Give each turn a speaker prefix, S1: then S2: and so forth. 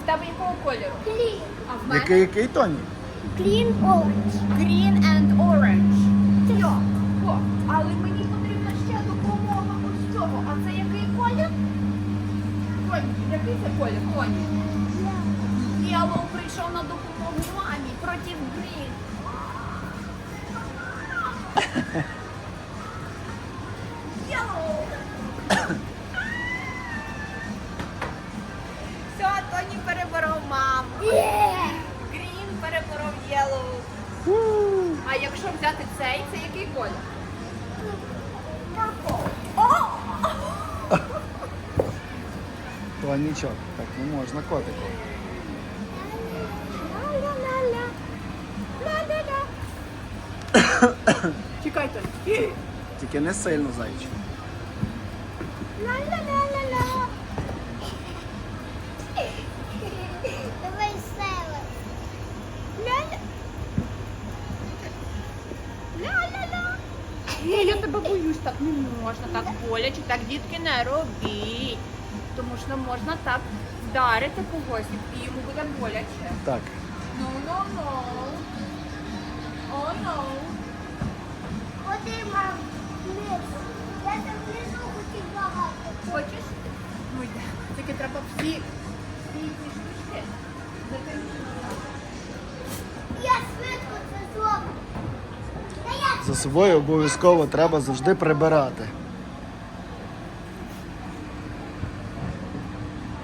S1: тебе якого кольору?
S2: Green.
S1: А в мене?
S3: Який Тоні?
S2: Green orange.
S1: Green and orange. Йо. О, але мені потрібна ще допомога ось цього. А це який колір? Тоні, який це колір, Тоні? Yellow прийшов на допомогу мамі проти Green. Yellow. Все, Тоні переборов маму.
S2: Yeah.
S1: Green переборов Yellow. А якщо взяти цей, це який колір?
S2: Purple.
S1: О!
S3: Тонічок, так не можна котику.
S1: Ла-ла-ла-ла. Ла-ла-ла. Чекай, Тоні.
S3: Тільки не сильно, зайчик.
S1: Ла-ла-ла-ла-ла.
S2: Давай села.
S1: Ля-ля. Ля-ля-ла. Ні, я тебе боюсь, так не можна, так боляче, так дітки не робіть. Тому що можна так вдарити когось і йому буде боляче.
S3: Так.
S1: No, no, no. Oh, no.
S2: Ходи, мам, вниз. Я там внизу хотів багато.
S1: Хочеш? Ну йде. Тільки треба всі ці штучки закинути.
S2: Я швидко це зроблю. Та я
S3: За собою обов'язково треба завжди прибирати.